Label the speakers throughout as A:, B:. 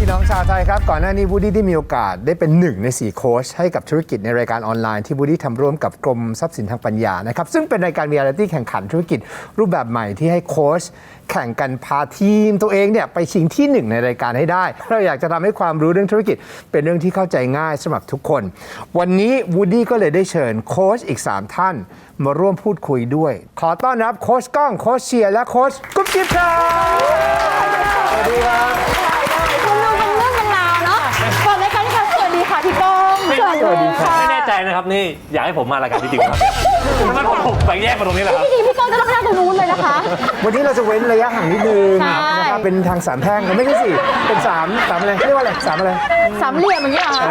A: พี่น้องชาวไทยครับก่อนหน้านี้วูดดี้ได้มีโอกาสได้เป็น1 ใน 4โค้ชให้กับธุรกิจในรายการออนไลน์ที่วูดดี้ทำร่วมกับกรมทรัพย์สินทางปัญญานะครับซึ่งเป็นรายการเรียลลิตี้แข่งขันธุรกิจรูปแบบใหม่ที่ให้โค้ชแข่งกันพาทีมตัวเองเนี่ยไปชิงที่1ในรายการให้ได้เราอยากจะทำให้ความรู้เรื่องธุรกิจเป็นเรื่องที่เข้าใจง่ายสำหรับทุกคนวันนี้วูดดี้ก็เลยได้เชิญโค้ชอีก3ท่านมาร่วมพูดคุยด้วยขอต้อนรับโค้ชก้องโค้ชเชียร์และโค้ชกุ๊บกิ๊บครับสวัสดีครับ
B: คุณดูเป็นเรื่องเป็นราวเนาะก่อนรายการค่ะสวัสดีค่ะพี่ก้อง
A: สวัสดีค่ะ
C: ไม่แน่ใจนะครับนี่อยากให้ผมมารายการจริงๆครับทำไมผมไปแยกมาตรงนี้ล่ะครับ
B: จริงๆพี่ก้องจะต้องนั่งตรงนู้นเลยนะคะ
A: วันนี้เราจะเว้นระยะห่างนิดนึงนะครับเป็นทาง3แพร่งไม่ใช่4เป็น3อะไรเรียกว่าอะไร3อะไร
B: 3เหลี่ยมอย่างเงี้ยเหรอ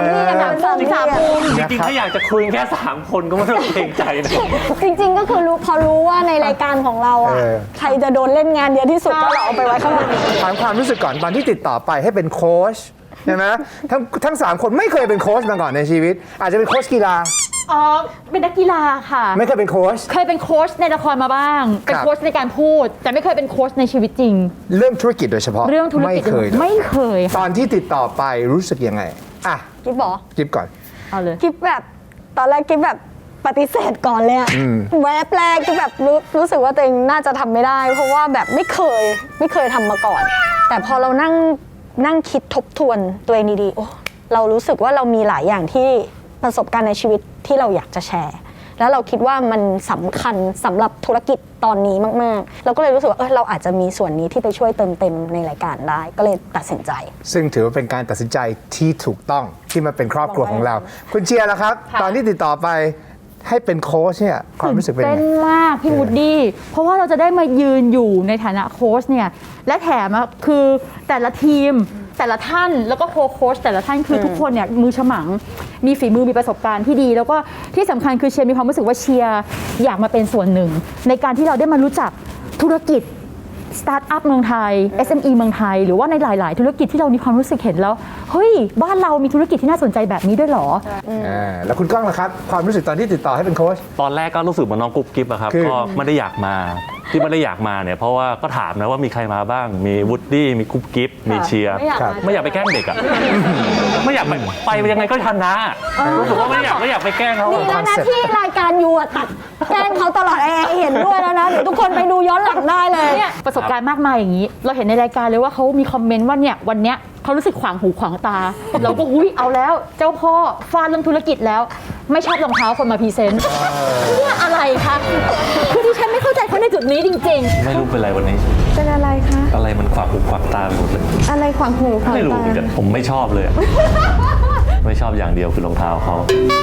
B: 3มุม
C: จริงๆถ้าอยากจะคุยแค่3คนก็ไม่ต้องเกรงใจนะ
D: จริงๆก็คือพอรู้ว่าในรายการของเราอ่ะใครจะโดนเล่นงานเยอะที่สุดก็เราเอาไปไว้ข้างหลัง
A: ถามความรู้สึกก่อนตอนที่ติดต่อไปให้เป็นโค้ชใช่ไหมทั้ง3คนไม่เคยเป็นโค้ชมาก่อนในชีวิตอาจจะเป็นโค้ชกีฬา
B: เป็นนักกีฬาค่ะ
A: ไม่เคยเป็นโค้ช
B: เคยเป็นโค้ชในละครมาบ้างเป็นโค้ชในการพูดแต่ไม่เคยเป็นโค้ชในชีวิตจริง
A: เรื่องธุรกิจโดยเฉพาะ
B: เรื่องธุรกิจไม่เคย
A: ตอนที่ติดต่อไปรู้สึกยังไงอ่ะ
D: กิ๊บบอก
A: กิ๊บก่อน
B: เอาเลย
D: กิ๊บแบบตอนแรกกิ๊บแบบปฏิเสธก่อนเลยอะแวบแรกกิ๊บแบบรู้สึกว่าตัวเองน่าจะทำไม่ได้เพราะว่าแบบไม่เคยทำมาก่อนแต่พอเรานั่งคิดทบทวนตัวเองดีๆโอ้เรารู้สึกว่าเรามีหลายอย่างที่ประสบการณ์ในชีวิตที่เราอยากจะแชร์แล้วเราคิดว่ามันสำคัญสำหรับธุรกิจตอนนี้มากๆเราก็เลยรู้สึกว่าเราอาจจะมีส่วนนี้ที่ไปช่วยเติมเต็มในรายการได้ก็เลยตัดสินใจ
A: ซึ่งถือว่าเป็นการตัดสินใจที่ถูกต้องที่มาเป็นครอบครัวของเราคุณเชียร์ล่ะครับตอนที่ติดต่อไปให้เป็นโค้ชเนี่ยความรู้สึกเป็นยังไง
B: เป็นมากพี่วูดดี้เพราะว่าเราจะได้มายืนอยู่ในฐานะโค้ชเนี่ยและแถมคือแต่ละทีมแต่ละท่านแล้วก็โค้ชแต่ละท่านคือทุกคนเนี่ยมือฉมังมีฝีมือมีประสบการณ์ที่ดีแล้วก็ที่สำคัญคือเชียร์มีความรู้สึกว่าเชียร์อยากมาเป็นส่วนหนึ่งในการที่เราได้มารู้จักธุรกิจสตาร์ทอัพเมืองไทย SME เมืองไทยหรือว่าในหลายๆธุรกิจที่เรามีความรู้สึกเห็นแล้วเฮ้ยบ้านเรามีธุรกิจที่น่าสนใจแบบนี้ด้วยหรอ
A: แล้วคุณก้องล่ะครับความรู้สึกตอนที่ติดต่อให้เป็นโค้ช
C: ตอนแรกก็รู้สึกเหมือนน้องกุ๊บกิ๊บอะครับก็ไม่ได้อยากมาที่ไม่ได้อยากมาเนี่ยเพราะว่าก็ถามนะว่ามีใครมาบ้างมีวูดดี้มีกุ๊บกิ๊บมีเชียร์ไม่อยากไปแกล้งเด็กอะไม่อยากไปยังไงก็ชนะรู้สึกว่าไม่อยากไปแกล้งเขา
D: นี่แล้วนะที่รายการยูตัดแกล้งเขาตลอดเห็นด้วยแล้วนะเดี๋ยวทุกคนไปดูย้อนหลังได้เลย
B: เนี่ยประสบการณ์มากมายอย่างนี้เราเห็นในรายการเลยว่าเขามีคอมเมนต์ว่าเนี่ยวันเนี้ยเขารู้สึกขวางหูขวางตาเราก็อุ้ยเอาแล้วเจ้าพ่อฟาดเรื่องธุรกิจแล้วไม่ชอบรองเท้าคนมาพรีเซนต์เนี่ยอะไรคะคือที่ฉันไม่เข้าใจเขาในจุดนี้จริง
C: ๆไม่รู้เป็นไรวันนี้
D: เป็นอะไรคะ
C: อะไรมันขวางหูขวางตาไปหมดเลย
D: อะไรขวางหูขวางตา
C: ไม่รู้แต่ผมไม่ชอบเลยไม่ชอบอย่างเดียวคือรองเท้าเขา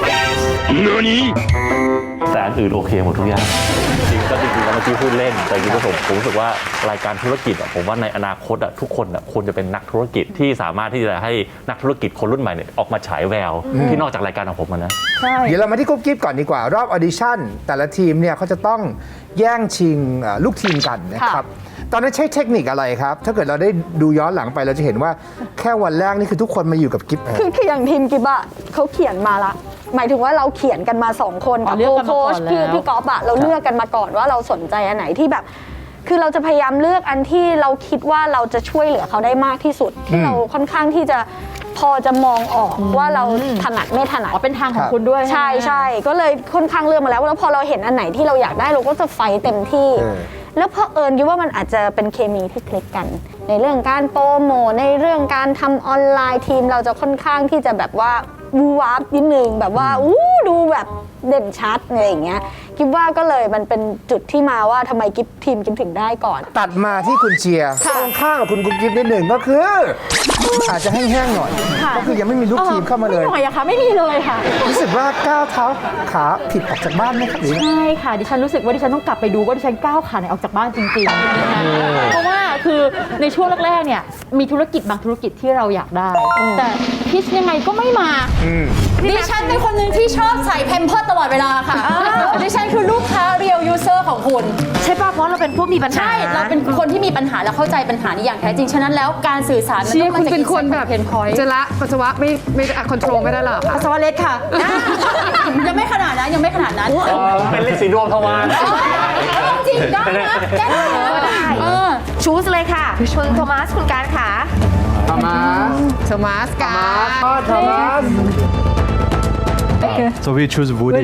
C: แต่อันอื่นโอเคหมดทุกอย่างจริงๆแล้วเมื่อกี้พูดเล่นแต่จริงๆผมรู้สึกว่ารายการธุรกิจผมว่าในอนาคตทุกคนควรจะเป็นนักธุรกิจที่สามารถที่จะให้นักธุรกิจคนรุ่นใหม่เนี่ยออกมาฉายแววที่นอกจากรายการของผมนะ
A: เดี๋ยวเรามาที่กุ๊บกิ๊บก่อนดีกว่ารอบออดิชั่นแต่ละทีมเนี่ยเขาจะต้องแย่งชิงลูกทีมกันนะครับตอนนั้นใช้เทคนิคอะไรครับถ้าเกิดเราได้ดูย้อนหลังไปเราจะเห็นว่าแค่วันแรกนี่คือทุกคนมาอยู่กับกิ๊บ
D: คืออย่างทีมกิ๊บอะเขาเขียนมาละหมายถึงว่าเราเขียนกันมา2คนกับโค้ชพี่ก๊อฟอะเราเลือกกันมาก่อนว่าเราสนใจอันไหนที่แบบคือเราจะพยายามเลือกอันที่เราคิดว่าเราจะช่วยเหลือเขาได้มากที่สุดที่เราค่อนข้างที่จะพอจะมองออกว่าเราถนัดไม่ถนัด
B: เป็นทางของคุณด้วย
D: ใช่ก็เลยค่อนข้างเลือกมาแล้วพอเราเห็นอันไหนที่เราอยากได้เราก็จะไฟเต็มที่แล้วเพราะคิดว่ามันอาจจะเป็นเคมีที่คลิกกันในเรื่องการโปรโมทในเรื่องการทำออนไลน์ทีมเราจะค่อนข้างที่จะแบบว่าวูวาร์ปนิดนึงแบบว่าดูแบบเด่นชัดอะไรอย่างเงี้ยกิ๊บว่าก็เลยมันเป็นจุดที่มาว่าทำไมทีมกิ๊บถึงได้ก่อน
A: ตัดมาที่คุณเชียร์ตรงข้ามกับคุณกุ๊บกิ๊บนิดหนึ่งก็คืออาจจะแห้งๆหน่อยก็คือยังไม่มีลูกทีมเข้ามาเลย
B: ไม่หน่อยอะค่ะไม่มีเลยค่ะ
A: รู้สึกว่าก้าวเท้าขาผิดออกจากบ้านไหมครับ
B: ใช่ค่ะดิฉันรู้สึกว่าดิฉันต้องกลับไปดูว่าดิฉันก้าวขาไหนออกจากบ้านจริงๆเพราะว่าคือในช่วงแรกๆเนี่ยมีธุรกิจบางธุรกิจที่เราอยากได้แต่พิชยังไงก็ไม่มาดิฉันเป็นคนหนึ่งที่ชอบใส่แพมเพิร์สตลอดเวลาค่ะดิฉันคือลูกค้าเรียลยูเซอร์ของคุณ
E: ใช่ป่ะเพราะเราเป็นผู้มีปัญหา
B: ใช่เราเป็นคนที่มีปัญหาและเข้าใจปัญหานี้อย่างแท้จริงฉะนั้นแล้วการสื่อสารมันต้องมาจาก
E: คุณเป็นคนแบบจะละปัสสาวะไม่คอนโทรลไม่ได้หรอ
B: ปัสสาวะเล็ดค่ะยังไม่ขนาดนั้น
C: เป็นฤทธิ์สีดวงทวาร
B: จริงได้นะแก้ได้
E: ชูสเลยค่ะคุณโทมัสคุณการค่ะ
A: ทามาส
E: โทมัสกา
A: ทามาส
F: So we choose Woody.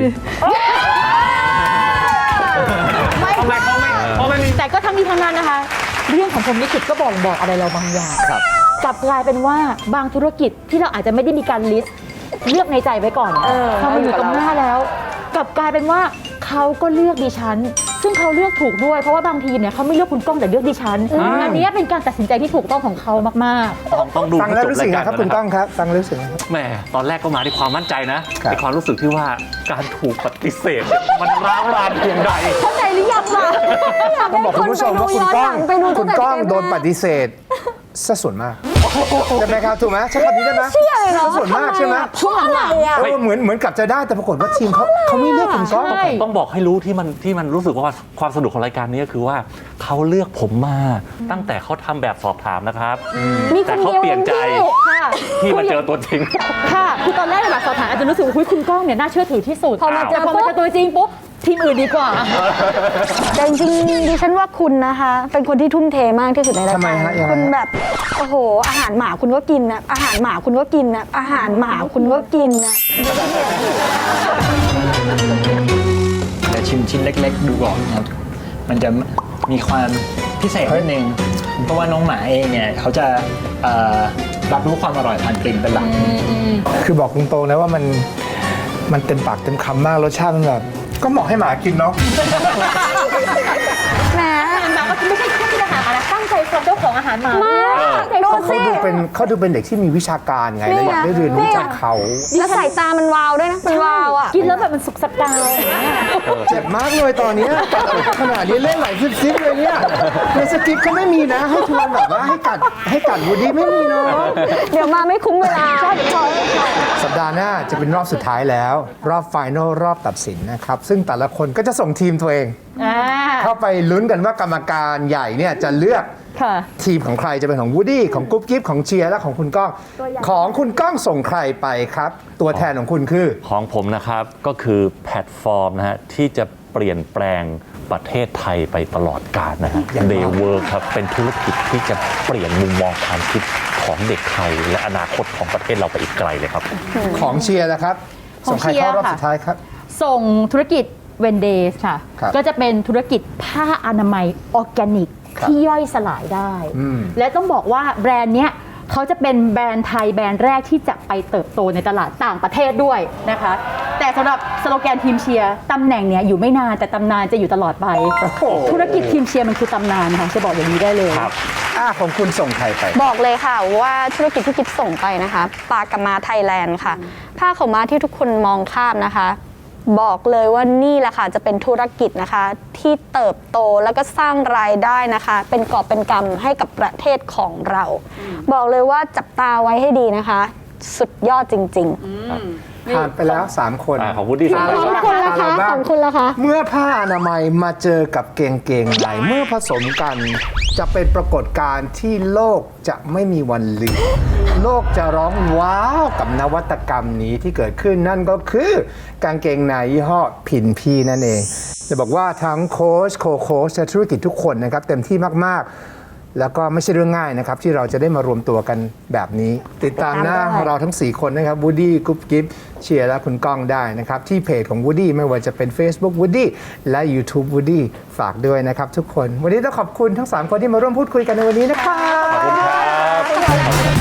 B: แต่ก็ทั้งนี้ทั้งนั้นนะคะ เรื่องของพรหมลิขิตก็บอกอะไรเราบางอย่าง
A: ครับ
B: กลับกลายเป็นว่าบางธุรกิจที่เราอาจจะไม่ได้มีการลิสต์เลือกในใจไว้ก่อนพอมาอยู่ตรงหน้าแล้ว กลับกลายเป็นว่าเขาก็เลือกดิฉัน ซึ่งเขาเลือกถูกด้วยเพราะว่าบางทีมเนี่ยเขาไม่เลือกคุณก้องแต่เลือกดิฉันอันนี้เป็นการตัดสินใจที่ถูกต้องของเขามาก
C: ต้องดู
A: ฟัง
C: ให้
A: แล้ว
C: จบ
A: รู้สึ
C: ราก ย
A: ไง
C: การ
A: ครับคุณก้องครับฟังแล้วรู้สึกไงครับ
C: แหมตอนแรกก็มาด้วยความมั่นใจนะครับ ในความรู้สึกที่ว่าการถูกปฏิเสธมันร้าวรานเพียงใด
B: ๆ เข้าใจหรือยังล่ะ
A: ต้องบอกคุณผู้ชมว่าคุณก้อง
D: ไปดูตั้
A: คุ
D: ง
A: ณ
D: แต่
A: ก้อง
D: เกมแรก
A: โดนปฏิเสธซะส่วนมากใช่ไหมครับถูกไหมใช่คำนี้ได้ไหม
D: เชื่อเลยเหรอ
A: ซะส่วนมากใช่ไหม
B: ช่วงหลังๆ
A: เหมือนกับจะได้แต่ปรากฏว่าทีมเขาไม่เลือกคุณก้อง
B: ใช่
C: ต้องบอกให้รู้ที่มันรู้สึกว่าความสนุกของรายการนี้ก็คือว่าเขาเลือกผมมาตั้งแต่เขาทำแบบสอบถามนะครับ
D: มีค
C: แต่
D: น
C: เขา
D: เดียว
C: เปลี่ยนใจ
B: ค่ะ
C: ที่มาเจอตัวจริง
B: ค่ะคือตอนแรกในแบบสอบถามอาจจะรู้สึกว่าอุ๊ยคุณก้องเนี่ยน่าเชื่อถือที่สุด
D: พอมาเจอ
B: แต่พอมาเจอตัวจริงปุ๊บทีมอื่นดีกว่า
D: แต่จริงๆดิฉันว่าคุณนะคะ เป็นคนที่ทุ่มเทมากที่สุดในราย
A: ทำไม
D: การ
A: ฮะยังไงฮะ
D: คุณแบบโอ้โห อาหารหมาคุณก็กินนะอาหารหมาคุณก็กินนะอาหารหมาคุณก็กินนะ
F: แต่ชิมชิ้นเล็กๆ ดูก่อนครับ มันจะมีความพิเศษนิดนึง เพราะว่าน้องหมาเองเนี่ยเขาจะรับรู้ความอร่อยผ่านกลิ่นเป็นหลัก
A: คือบอกตรงๆนะว่ามันเต็มปากเต็มคำมากรสชาติมันแบบก็เหมาะให้หมากินเนาะ
D: แหม
B: หมาก็ไม่ใช่แค่ที่อาหารอะไรตั้งใจฟังเจ้าของอาหารหมาตั้งใจฟัง
A: เขาดูเป็นเด็กที่มีวิชาการไงแล้วอยากได้เรียนรู้จากเขา
D: แล้วสายตามันวาวด้วยนะมันวาวอ่ะ
B: กินแล้วแบบมันสุกสกาวอย่างเงี้ย
A: เจ็บมากเลยตอนเนี้ยขนาดนี้เล่นไหลซิบๆเลยเนี่ยในสคริปต์ก็ไม่มีนะ ให้ทวนแบบว่าให้กัดวูดดี้ไม่มีเนาะ
D: เดี๋ยวมาไม่คุ้มเวลา
A: สัปดาห์หน้าจะเป็นรอบสุดท้ายแล้ว รอบไฟนอลรอบตัดสินนะครับ ซึ่งแต่ละคนก็จะส่งทีมตัวเอง เข้าไปลุ้นกันว่ากรรมการใหญ่เนี่ยจะเลือก
B: ค่ะ
A: ทีมของใครจะเป็นของวูดดี้ของกุ๊บกิ๊บของเชียร์และของคุณก้อง ของคุณก้องส่งใครไปครับ ตัวแทนของคุณคือ
C: ของผมนะครับก็คือแพลตฟอร์มนะฮะที่จะเปลี่ยนแปลงประเทศไทยไปตลอดกาลนะฮะ Daywork ครับเป็นธุรกิจที่จะเปลี่ยนมุมมองความคิดของเด็กไทย และอนาคตของประเทศเราไปอีกไกลเลยครับ
A: ของเชียร์นะครับ ส่งใครเข้ารอบสุดท้ายครับ
B: ส่งธุรกิจเวนเดสค่ะ
A: ครับ
B: ก็จะเป็นธุรกิจผ้าอนามัยออร์แกนิก
A: ครับ
B: ที่ย่อยสลายได้
A: อืม
B: และต้องบอกว่าแบรนด์เนี้ยเขาจะเป็นแบรนด์ไทยแบรนด์แรกที่จะไปเติบโตในตลาดต่างประเทศด้วยนะคะ แต่สำหรับสโลแกนทีมเชียร์ตำแหน่งเนี้ยอยู่ไม่นานแต่ตำนานจะอยู่ตลอดไป ธุรกิจทีมเชียร์มันคือตำนานค่ะจะบอกอย่างนี้ได้เลย
C: ครับ
A: ของคุณส่งใครไป
D: บอกเลยค่ะว่าธุรกิจที่กิ๊บส่งไปนะคะปลากระมาไทยแลนด์ค่ะผ้าขาวม้าที่ทุกคนมองข้ามนะคะ บอกเลยว่านี่แหละค่ะจะเป็นธุรกิจนะคะที่เติบโตแล้วก็สร้างรายได้นะคะ เป็นกอบเป็นกำให้กับประเทศของเรา บอกเลยว่าจับตาไว้ให้ดีนะคะ สุดยอดจริง
A: ผ่านไปแล้ว 3 คน
C: ของวูดดี้
D: ๆของคุณละคะของคุณละคะ
A: เมื่อผ้าอนามัยมาเจอกับเกงในเมื่อผสมกันจะเป็นปรากฏการณ์ที่โลกจะไม่มีวันลืม โลกจะร้องว้าวกับนวัตกรรมนี้ที่เกิดขึ้นนั่นก็คือกางเกงในยี่ห้อพินพีนั่นเอง จะบอกว่าทั้งโค้ชโคโค้ชและธุรกิจทุกคนนะครับเต็มที่มากๆ แล้วก็ไม่ใช่เรื่องง่ายนะครับที่เราจะได้มารวมตัวกันแบบนี้ ติดตามหน้าเราทั้ง 4 คนนะครับวูดดี้กุ๊บกิ๊บเชียร์และคุณก้องได้นะครับที่เพจของวูดดี้ไม่ว่าจะเป็น Facebook วูดดี้และ YouTube วูดดี้ฝากด้วยนะครับทุกคน วันนี้ต้องขอบคุณทั้ง 3 คนที่มาร่วมพูดคุยกันในวันนี้นะครับ
C: ขอบคุณครับ